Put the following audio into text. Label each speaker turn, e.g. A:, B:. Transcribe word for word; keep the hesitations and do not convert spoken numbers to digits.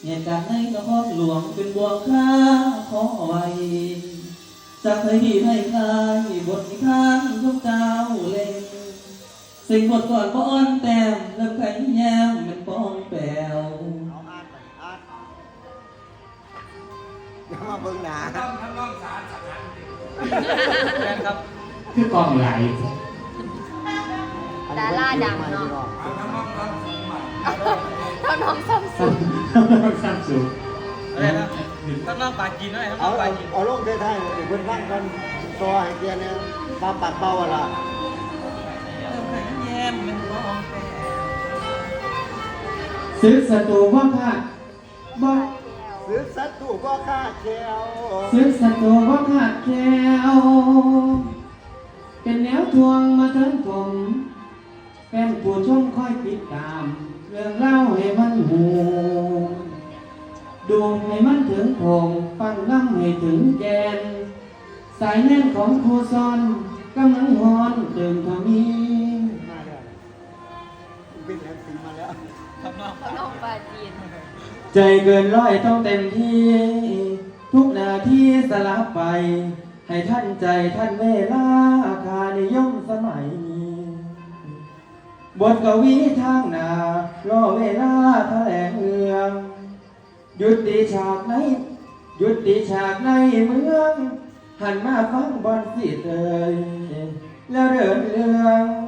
A: เหตุการณ์ในนครหลวงเป็นบ่วงค่าขอไว้จากให้ดีให้คลายบทนิทานทุกเจ้าเล่นสิ่งบทก่อนป้อนแต้มเริ่มไข่แย้มเป็นป้องแปว
B: เอาอ่านไปอ่านอย่ามาเบิ่งหนา
C: ต้องทำต้องสารสักการแม่ครับ
D: คือกองไหล
E: ดาราดังเนาะ
C: ทำต้องทำสูงมา
E: เท่าน้องซัมซุง
D: สั้นสูง
C: อะไรนะต้องน้องปลากินด้วยต้องน้
B: เอา
C: องปลา
B: เอา
C: กิน
B: เอาลงไทยๆเดี๋ยวเพิ่นฟังกันตัวให้เกียร์เนี่ยปลาปัดเบาอะล่ะ
C: เริ่มไข่แย้มเป็นป้องแปว
D: ซื้อสตูว่าค่ะบ่
B: ซื้อสัตว์ถูกก็ค่าแก้ว
D: ซื้อสตูว่าขาดแคล้วเป็นแนวทวงมาเทินผมแฟนผู้ชมคอยติดตาม เรื่องเล่าให้มันหูดูให้มันถึงผมฟังน้ำให้ถึงแกน สายแน่นของครูซอนกำลังฮอนเติมทมี
B: มาแล้วเป็นแอปซีมาแล้ว
C: ทำน้อง
E: เท่าน้องปลาจีน
D: ใจเกินร้อยต้องเต็มที่ ทุกนาทีสลับไป ให้ท่านใจท่านเวลาคานิยมสมัยนี้บทกวีทางหน้ารอเวลาแถลงเอืองหยุดตีฉากในหยุดตีฉากในเมือง หันมาฟังบอลสิเตยแล้วเดินเรื่อง